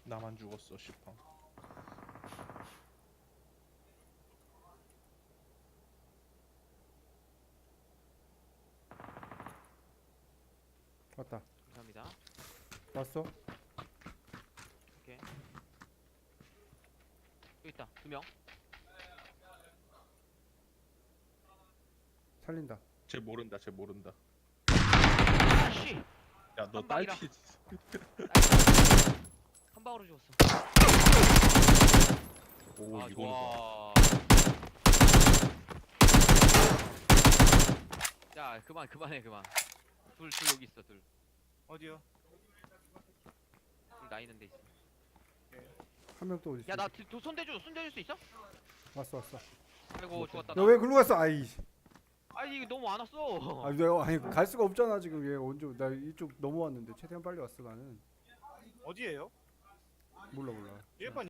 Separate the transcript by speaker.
Speaker 1: 나만 죽었어 시팡.
Speaker 2: 왔다.
Speaker 3: 감사합니다.
Speaker 2: 왔어?
Speaker 3: 오케이. 여기 있다. 2명.
Speaker 2: 살린다.
Speaker 1: 쟤 모른다 쟤 모른다.
Speaker 3: 아씨.
Speaker 1: 야 너
Speaker 3: 한 방이라.
Speaker 1: 딸피.
Speaker 3: 한 방으로 죽었어.
Speaker 1: 오
Speaker 3: 아
Speaker 1: 이거는 봐.
Speaker 3: 좋아. 야 그만해 그만. 둘 여기 있어 둘.
Speaker 4: 어디요?
Speaker 3: 둘 나 있는 데 있어.
Speaker 2: 한 명 또 어디 있어?
Speaker 3: 야나 손대줄 수 있어?
Speaker 2: 왔어.
Speaker 3: 아이고 죽었다.
Speaker 2: 너 왜 글로 갔어? 아이.
Speaker 3: 아니 이거 너무 안 왔어.
Speaker 2: 아, 내가 아니 갈 수가 없잖아 지금. 얘 언제 나 이쪽 넘어왔는데 최대한 빨리 왔어 나는.
Speaker 4: 어디에요?
Speaker 2: 몰라.
Speaker 4: 일반